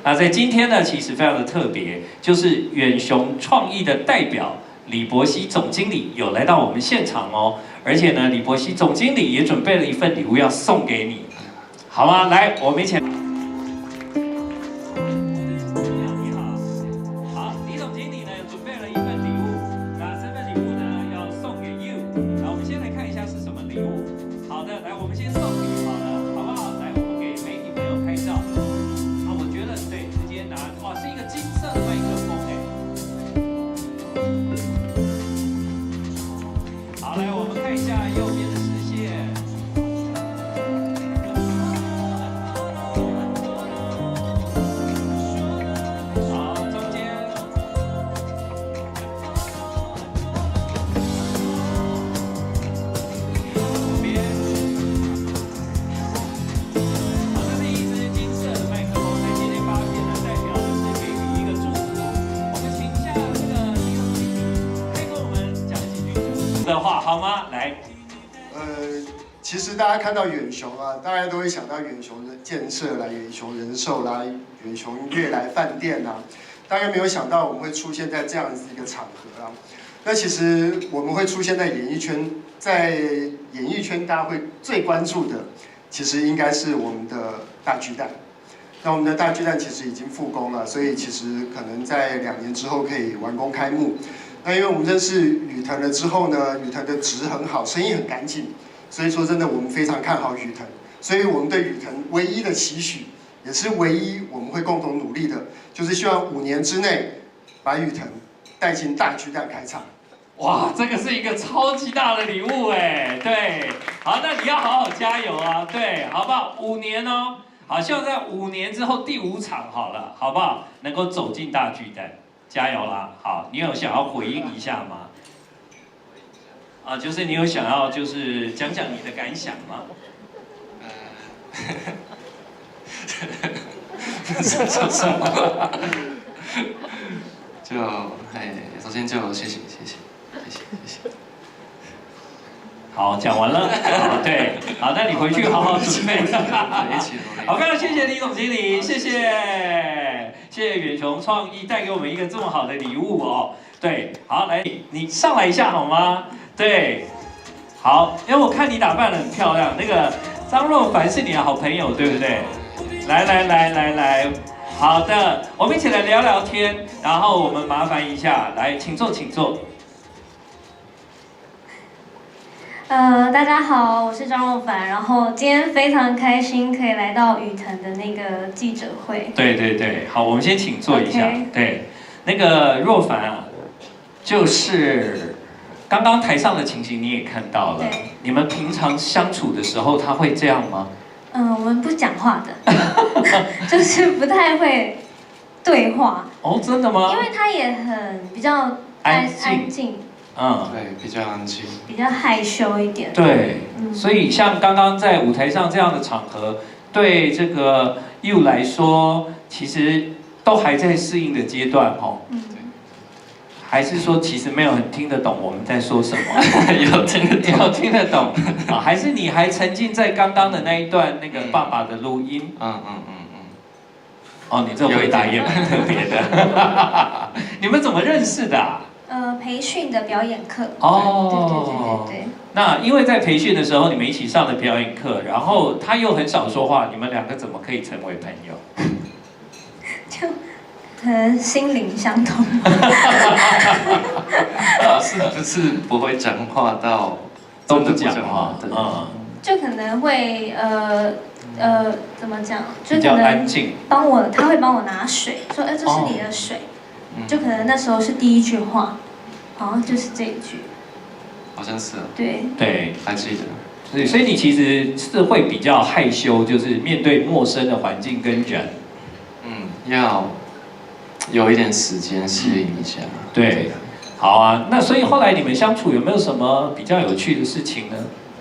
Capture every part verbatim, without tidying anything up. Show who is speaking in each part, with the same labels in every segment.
Speaker 1: 那在今天呢，其实非常的特别，就是远雄创意的代表李伯希总经理有来到我们现场哦，而且呢，李伯希总经理也准备了一份礼物要送给你，好吗？来，我们一起来。 的话好吗？来，
Speaker 2: 呃，其实大家看到远雄啊，大家都会想到远雄的建设啦、远雄人寿啦、远雄悦来饭店啦，大概没有想到我们会出现在这样子一个场合啊。那其实我们会出现在演艺圈，在演艺圈大家会最关注的，其实应该是我们的大巨蛋。那我们的大巨蛋其实已经复工了，所以其实可能在两年之后可以完工开幕。 那因为我们认识宇腾了之后呢，宇腾的值很好，生意很干净，所以说真的我们非常看好宇腾，所以我们对宇腾唯一的期许，也是唯一我们会共同努力的，就是希望五年之内把宇腾带进大巨蛋开场。
Speaker 1: 哇，这个是一个超级大的礼物哎，对，好，那你要好好加油啊，对，好不好？五年哦，好，希望在五年之后第五场好了，好不好？能够走进大巨蛋。 加油啦！好，你有想要回应一下吗？啊，就是你有想要就是讲讲你的感想吗？
Speaker 3: 呃，不知道说什么。就哎，首先就谢谢谢谢谢谢谢谢。
Speaker 1: 好，讲完了。好，对，好，那你回去好好准备。好，非常谢谢李总经理，谢谢。 谢谢远雄创意带给我们一个这么好的礼物哦。对，好，来，你上来一下好吗？对，好，因为我看你打扮得很漂亮，那个张若凡是你的好朋友，对不对？来来来来来，好的，我们一起来聊聊天，然后我们麻烦一下，来，请坐，请坐。
Speaker 4: 呃，大家好，我是张若凡，然后今天非常开心可以来到宇腾的那个记者会。
Speaker 1: 对对对，好，我们先请坐一下。Okay. 对，那个若凡啊，就是刚刚台上的情形你也看到了，你们平常相处的时候他会这样吗？
Speaker 4: 嗯、呃，我们不讲话的，就是不太会对话。
Speaker 1: 哦，真的吗？
Speaker 4: 因为他也很比较安安静。
Speaker 3: 嗯，对，比较安静，
Speaker 4: 比较害羞一点。
Speaker 1: 对，嗯、所以像刚刚在舞台上这样的场合，对这个 You 来说，其实都还在适应的阶段哦。嗯，对。还是说其实没有很听得懂我们在说什么？
Speaker 3: 有听得懂，
Speaker 1: 有听得懂啊？还是你还沉浸在刚刚的那一段那个爸爸的录音？嗯嗯嗯嗯。哦，你这回答也蛮特别的。你们怎么认识的啊？
Speaker 4: 呃，培训的表演课
Speaker 1: 哦，
Speaker 4: 对对对对对。
Speaker 1: 那因为在培训的时候，你们一起上了表演课，然后他又很少说话，你们两个怎么可以成为朋友？
Speaker 4: 就可能心灵相通。
Speaker 3: 是不是不会讲话到
Speaker 1: 都不讲话？嗯，
Speaker 4: 就可能会呃呃怎么讲？就
Speaker 1: 比较安静。
Speaker 4: 帮我，他会帮我拿水，说哎、呃、这是你的水。 就可能那时候是第一句话，好像就是这一句，
Speaker 3: 好像是啊。
Speaker 4: 对
Speaker 1: 对，
Speaker 3: 还记得。
Speaker 1: 对，所以你其实是会比较害羞，就是面对陌生的环境跟人，
Speaker 3: 嗯，要有一点时间适应一下。
Speaker 1: 对，好啊。那所以后来你们相处有没有什么比较有趣的事情呢？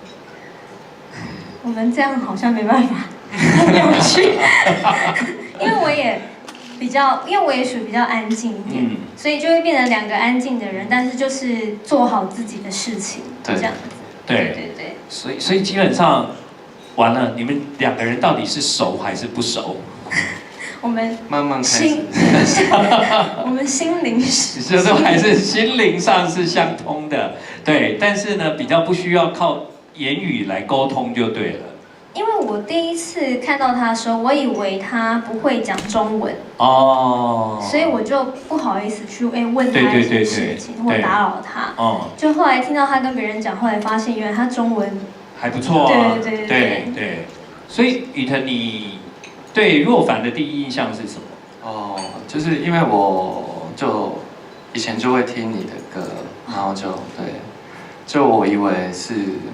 Speaker 4: 我们这样好像没办法很有趣，因为我也。 比较，因为我也属于比较安静一点，嗯、所以就会变成两个安静的人，但是就是做好自己的事情，这样子。
Speaker 1: 对对对。所以，所以基本上，完了，你们两个人到底是熟还是不熟？
Speaker 4: 我们
Speaker 3: 慢慢开始
Speaker 4: 心，我们心灵是，
Speaker 1: 这都还是心灵上是相通的，对，但是呢，比较不需要靠言语来沟通就对了。
Speaker 4: 因为我第一次看到他的时候，我以为他不会讲中文，
Speaker 1: 哦，
Speaker 4: 所以我就不好意思去哎问他
Speaker 1: 对对
Speaker 4: 一些
Speaker 1: 对对
Speaker 4: 事情或打扰他。
Speaker 1: 哦，
Speaker 4: 就后来听到他跟别人讲，后来发现原来他中文
Speaker 1: 还不错啊，
Speaker 4: 对对对
Speaker 1: 对对。所以宇腾，你对若凡的第一印象是什么？
Speaker 3: 哦，就是因为我就以前就会听你的歌，然后就对，就我以为是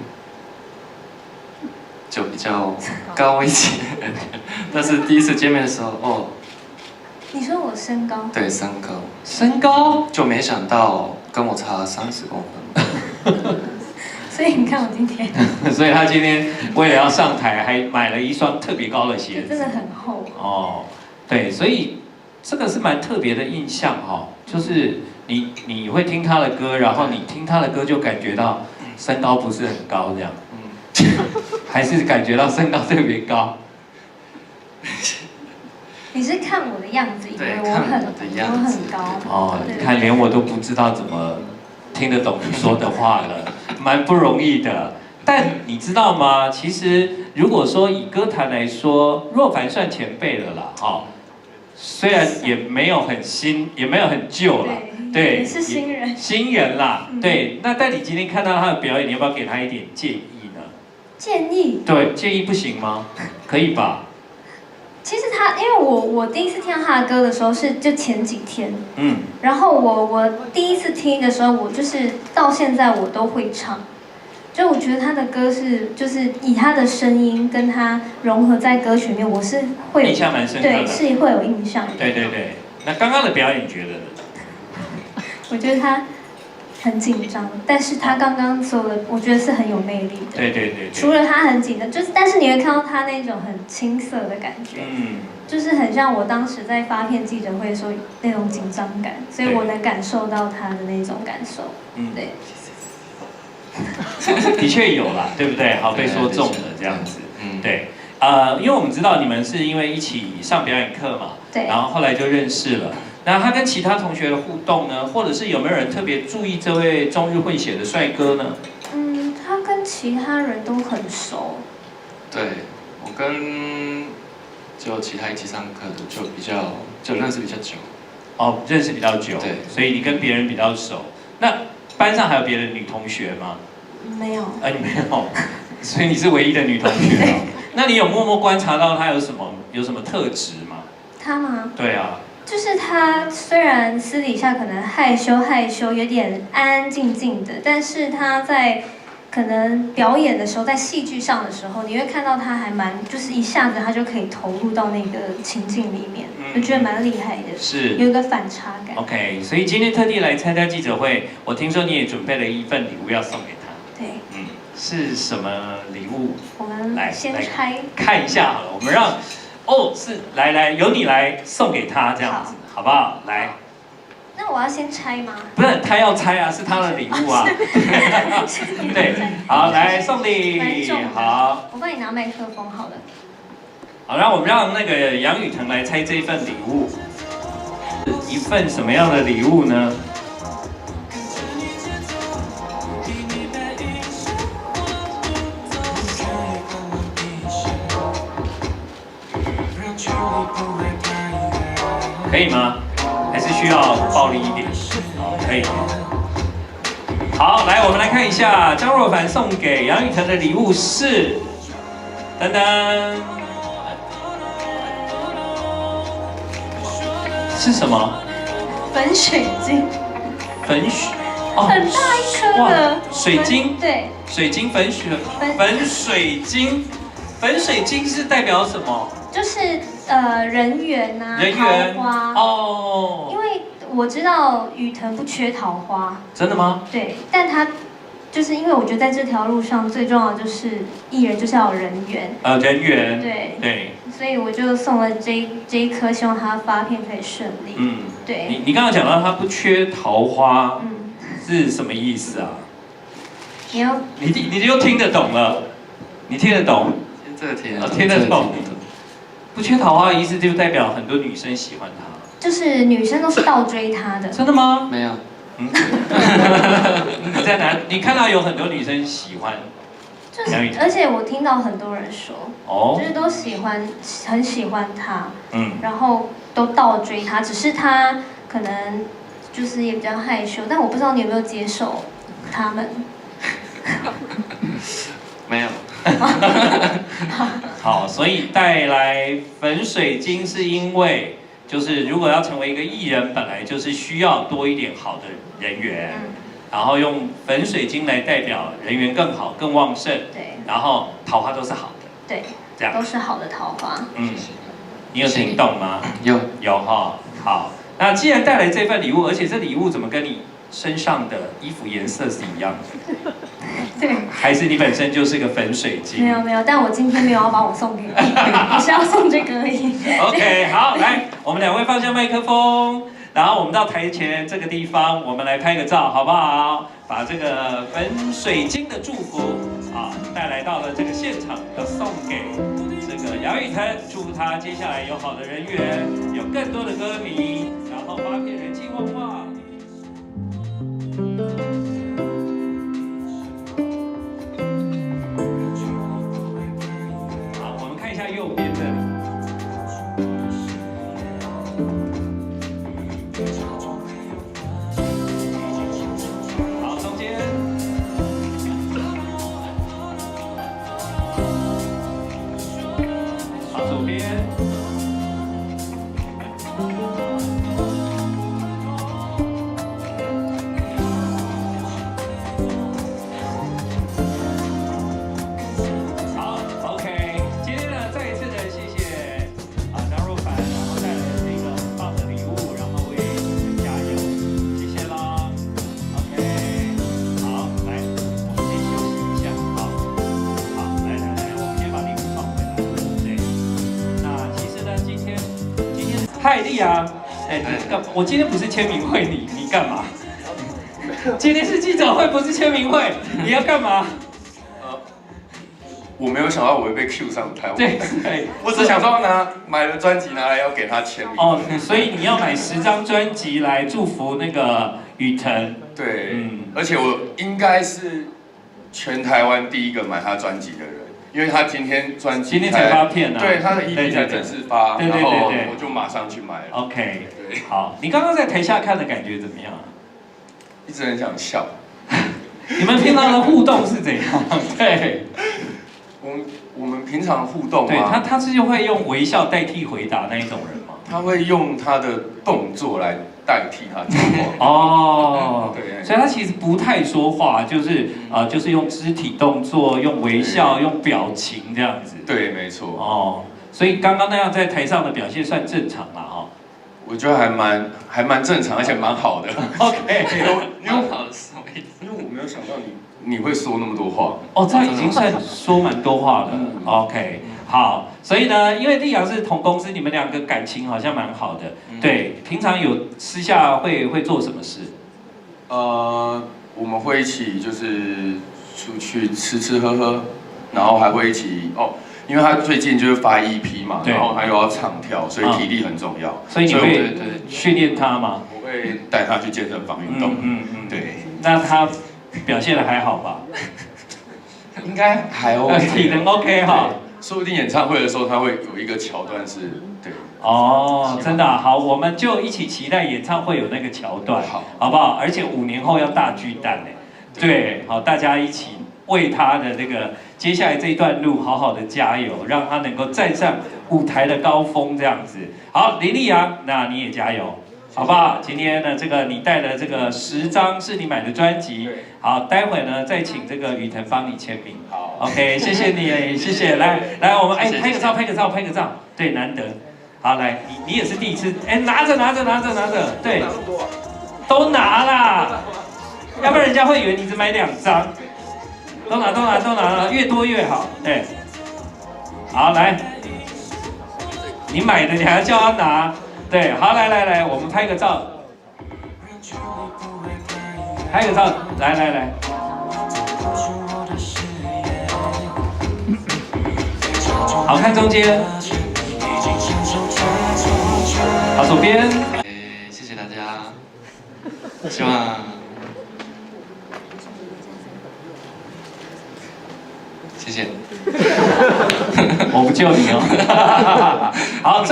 Speaker 3: 就比较高一些，但是第一次见面的时候，哦，
Speaker 4: 你说我身高？
Speaker 3: 对，身高，
Speaker 1: 身高
Speaker 3: 就没想到跟我差三十公分。
Speaker 4: 所以你看我今天
Speaker 1: 所以他今天为了要上台，还买了一双特别高的鞋子，
Speaker 4: 真的很厚。
Speaker 1: 哦，对，所以这个是蛮特别的印象哈、哦，就是你你会听他的歌，然后你听他的歌就感觉到身高不是很高这样，嗯，还是感觉到身高特别高。
Speaker 4: 你是看我的样子，以为我
Speaker 3: 对看
Speaker 4: 很
Speaker 3: 我的样
Speaker 4: 我
Speaker 3: 子
Speaker 4: 很高。
Speaker 1: 哦，
Speaker 4: 对
Speaker 1: 你看连我都不知道怎么听得懂你说的话了，蛮不容易的。但你知道吗？其实如果说以歌坛来说，若凡算前辈了啦，哈、哦，虽然也没有很新，也没有很旧啦，对，
Speaker 4: 也是新人，
Speaker 1: 新人啦，
Speaker 4: 嗯、
Speaker 1: 对。那但你今天看到他的表演，你要不要给他一点建议呢？
Speaker 4: 建议？
Speaker 1: 对，建议不行吗？可以吧？
Speaker 4: 其实他，因为我我第一次听到他的歌的时候是就前几天，
Speaker 1: 嗯，
Speaker 4: 然后我我第一次听的时候，我就是到现在我都会唱，就我觉得他的歌是就是以他的声音跟他融合在歌曲里面，我是会有
Speaker 1: 印象蛮深刻的，
Speaker 4: 对，是会有印象的。
Speaker 1: 对对对，那刚刚的表演你觉得呢？
Speaker 4: 我觉得他很紧张，但是他刚刚所有的，我觉得是很有魅力的。
Speaker 1: 对对对对。
Speaker 4: 除了他很紧张，就是但是你会看到他那种很青涩的感觉，
Speaker 1: 嗯，
Speaker 4: 就是很像我当时在发片记者会的时候那种紧张感，所以我能感受到他的那种感受。嗯，对。
Speaker 1: 的确有啦，对不对？好，被说中了这样子。嗯，对。呃，因为我们知道你们是因为一起上表演课嘛，
Speaker 4: 对，
Speaker 1: 然后后来就认识了。那他跟其他同学的互动呢，或者是有没有人特别注意这位中日混血的帅哥呢？
Speaker 4: 嗯，他跟其他人都很熟。
Speaker 3: 对，我跟就其他一起上课的就比较就认识比较久。
Speaker 1: 哦，认识比较久，
Speaker 3: 对，
Speaker 1: 所以你跟别人比较熟。那班上还有别的女同学吗？
Speaker 4: 没有。
Speaker 1: 啊，你没有，所以你是唯一的女同学哦。那你有默默观察到他有什么有什么特质吗？
Speaker 4: 他吗？
Speaker 1: 对啊。
Speaker 4: 就是他虽然私底下可能害羞害羞，有点安安静静的，但是他在可能表演的时候，在戏剧上的时候，你会看到他还蛮，就是一下子他就可以投入到那个情境里面，我、嗯、觉得蛮厉害的，
Speaker 1: 是
Speaker 4: 有一个反差感。
Speaker 1: OK， 所以今天特地来参加记者会，我听说你也准备了一份礼物要送给他。
Speaker 4: 对，
Speaker 1: 嗯，是什么礼物？
Speaker 4: 我们
Speaker 1: 来
Speaker 4: 先拆
Speaker 1: 看一下好了，我们让。哦，是来来，由你来送给他这样子，好, 好不好？来，
Speaker 4: 那我要先拆吗？
Speaker 1: 不是，他要拆啊，是他的礼物啊。对，好，来送礼，好。
Speaker 4: 我帮你拿麦克风好了。
Speaker 1: 好，让我们让那个杨宇腾来拆这份礼物，一份什么样的礼物呢？可以吗？还是需要暴力一点？好，可以。好，来，我们来看一下张若凡送给杨宇腾的礼物是，噔噔，是什么？
Speaker 4: 粉水晶。
Speaker 1: 粉水，
Speaker 4: 哦，很大一颗的
Speaker 1: 水晶。
Speaker 4: 对。
Speaker 1: 水晶粉水粉水晶，粉水晶是代表什么？就是
Speaker 4: 呃人缘呐、啊，
Speaker 1: 人缘
Speaker 4: 桃花
Speaker 1: 哦。
Speaker 4: 因为我知道宇腾不缺桃花。
Speaker 1: 真的吗？
Speaker 4: 对，但他就是因为我觉得在这条路上最重要的就是艺人就是要有人缘。呃，
Speaker 1: 人缘。
Speaker 4: 对
Speaker 1: 对。
Speaker 4: 所以我就送了这这一颗，希望他发片可以顺利。嗯，对。
Speaker 1: 你你刚刚讲到他不缺桃花，嗯，是什么意思啊？
Speaker 4: 你要
Speaker 1: 你你就听得懂了，你听得懂？
Speaker 3: 这个听得
Speaker 1: 懂，听得懂。 不缺桃花的意思就代表很多女生喜欢他。
Speaker 4: 就是女生都是倒追他的。
Speaker 1: 真的吗？
Speaker 3: 没有。
Speaker 1: 嗯。你在哪？你看到有很多女生喜欢。
Speaker 4: 就是，而且我听到很多人说，
Speaker 1: 哦，
Speaker 4: 就是都喜欢，很喜欢他，
Speaker 1: 嗯，
Speaker 4: 然后都倒追他，只是他可能就是也比较害羞，但我不知道你有没有接受他们。
Speaker 3: 没有。
Speaker 1: 好，所以带来粉水晶是因为，就是如果要成为一个艺人，本来就是需要多一点好的人缘。嗯，然后用粉水晶来代表人缘更好、更旺盛，对，然后桃花都是好的，
Speaker 4: 对，
Speaker 1: 这样
Speaker 4: 都是好的桃花。
Speaker 1: 嗯，你有听懂吗？
Speaker 3: 有
Speaker 1: 有哈，好。那既然带来这份礼物，而且这礼物怎么跟你身上的衣服颜色是一样的？
Speaker 4: 对，
Speaker 1: 还是你本身就是个粉水晶？
Speaker 4: 没有没有，但我今天没有要把我送给你，我是要送这个而已。
Speaker 1: OK， 好，来，我们两位放下麦克风。然后我们到台前这个地方，我们来拍个照，好不好？把这个粉水晶的祝福啊带来到了这个现场，要送给这个杨宇腾，祝福他接下来有好的人缘，有更多的歌迷，然后发片人气旺旺。好，我们看一下右边的。嗨，丽阳，哎，你干？我今天不是签名会，你你干嘛？今天是记者会，不是签名会，你要干嘛？
Speaker 5: 呃，我没有想到我会被 Q 上台。
Speaker 1: 对对，
Speaker 5: 我只想说拿买了专辑拿来要给他签名。
Speaker 1: 哦，所以你要买十张专辑来祝福那个宇腾。
Speaker 5: 对，嗯，而且我应该是全台湾第一个买他专辑的人。因为他今天专辑
Speaker 1: 今天才发片啊，
Speaker 5: 对他的 E P 才正式发，
Speaker 1: 对对对对，
Speaker 5: 然后我就马上去买了。
Speaker 1: OK， 对，好，你刚刚在台下看的感觉怎么样？
Speaker 5: 一直很想笑。
Speaker 1: 你们平常的互动是怎样？对，
Speaker 5: 我们我们平常互动，
Speaker 1: 对他他是会用微笑代替回答那一种人吗？
Speaker 5: 他会用他的动作来代替他讲话。
Speaker 1: 哦，对，所以他其实不太说话，就是呃，就是用肢体动作、用微笑、用表情这样子。
Speaker 5: 对，没错。
Speaker 1: 哦，所以刚刚那样在台上的表现算正常啦，哈。
Speaker 5: 我觉得还蛮还蛮正常，而且蛮好的。
Speaker 1: OK，
Speaker 3: 因为好是什么意思？
Speaker 5: 因为我没有想到你你会说那么多话。
Speaker 1: 哦，这已经算说蛮多话了。嗯、OK。好，所以呢，因为丽阳是同公司，你们两个感情好像蛮好的。嗯、对，平常有私下会会做什么事？
Speaker 5: 呃，我们会一起就是出去吃吃喝喝，然后还会一起哦，因为他最近就是发 E P 嘛，然后他又要唱跳，所以体力很重要。嗯、
Speaker 1: 所以你会训练他吗？
Speaker 5: 我会带他去健身房运动。嗯 嗯, 嗯对。
Speaker 1: 那他表现的还好吧？
Speaker 5: 应该还 OK，
Speaker 1: 体能 OK 哈。
Speaker 5: 说不定演唱会的时候，他会有一个桥段是，对。
Speaker 1: 哦，真的、啊、好，我们就一起期待演唱会有那个桥段，好，好不好？而且五年后要大巨蛋哎，对，好，大家一起为他的这个接下来这一段路好好的加油，让他能够站上舞台的高峰这样子。好，林丽阳，那你也加油。好不好？今天呢，这个你带了这个十张是你买的专辑，好，待会呢再请这个宇腾帮你签名。好 ，OK， 谢谢你，谢谢。来来，我们哎拍个照，拍个照，拍个照。对，难得。好，来，你你也是第一次，哎，拿着拿着拿着拿着，对，都拿啦，要不然人家会以为你只买两张。都拿都拿都拿了，越多越好。对，好来，你买的你还要叫他拿。对，好，来来来，我们拍个照，拍个照，来来来，好看中间， 好，左边。
Speaker 3: 诶，谢谢大家，希望。谢谢。
Speaker 1: 我不救你哦。好。